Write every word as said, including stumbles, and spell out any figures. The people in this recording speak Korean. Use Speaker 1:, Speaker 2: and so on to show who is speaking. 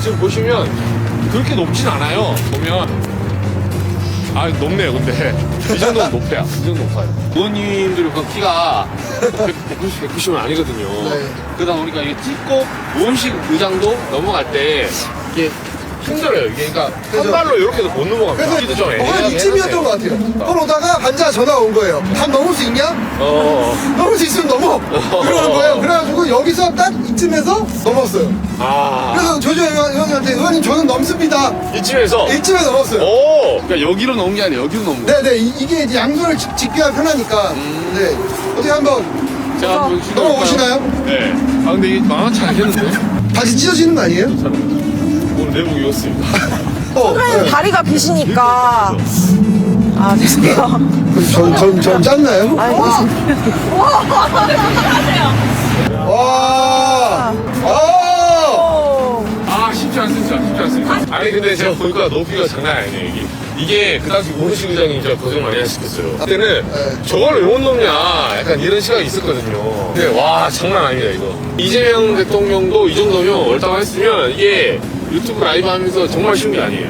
Speaker 1: 지금 보시면 그렇게 높진 않아요. 보면 아 높네요. 근데 이 정도는 높아요. 이 정도 높아요. 부모님들 그 키가 백구십, 백구십은 아니거든요.
Speaker 2: 네.
Speaker 1: 그러다 보니까 이게 찍고 무음식 의장도 넘어갈 때 이게 힘들어요. 이게 그러니까 한
Speaker 2: 그래서-
Speaker 1: 발로 이렇게도 못 넘어갑니다.
Speaker 2: 그래서
Speaker 1: 여기도 좀
Speaker 2: 어, 한
Speaker 1: 애매하게
Speaker 2: 이쯤이었던 것
Speaker 1: 해놨네요.
Speaker 2: 같아요. 그걸 오다가 반자 전화가 온 거예요. 답 넘을 수 있냐?
Speaker 1: 어.
Speaker 2: 넘을 수 있으면 넘어! 그러는 거예요. 그래가지고 여기서 딱 이쯤에서 넘었어요.
Speaker 1: 아.
Speaker 2: 그래서 조조 의원님한테 의원님 저는 넘습니다.
Speaker 1: 이쯤에서.
Speaker 2: 이쯤에 넘었어요.
Speaker 1: 오. 그러니까 여기로 넘은 게 아니라 여기로 넘은 거예요.
Speaker 2: 네네 이, 이게 이제 양손을 지- 짚기가 편하니까 네 어떻게 한번
Speaker 1: 제가 한번 시도해볼까요?
Speaker 2: 넘어오시나요?
Speaker 1: 네. 아 근데 이게 만만치 않겠는데?
Speaker 2: 다시 찢어지는 거 아니에요?
Speaker 1: 오늘 내복 입었습니다.
Speaker 2: 어,
Speaker 3: 선배님
Speaker 2: 네.
Speaker 3: 다리가 기시니까. 아, 죄송해요.
Speaker 2: 그럼 전, 전, 전 짰나요?
Speaker 3: 아이,
Speaker 2: 와! 아!
Speaker 3: 오.
Speaker 1: 아 쉽지 않습니다. 쉽지 않습니다. 아니 근데 제가 보니까 높이가 장난 아니에요 이게. 이게 그 당시 오르식 의장이 진짜 고생 많이 하셨겠어요. 그때는
Speaker 2: 네.
Speaker 1: 저걸 왜 못 넘냐 약간 이런 시각이 있었거든요. 근데 와 장난 아닙니다 이거. 이재명 대통령도 이 정도면 옳다고 했으면 이게 유튜브 라이브 하면서 정말 쉬운 게 아니에요.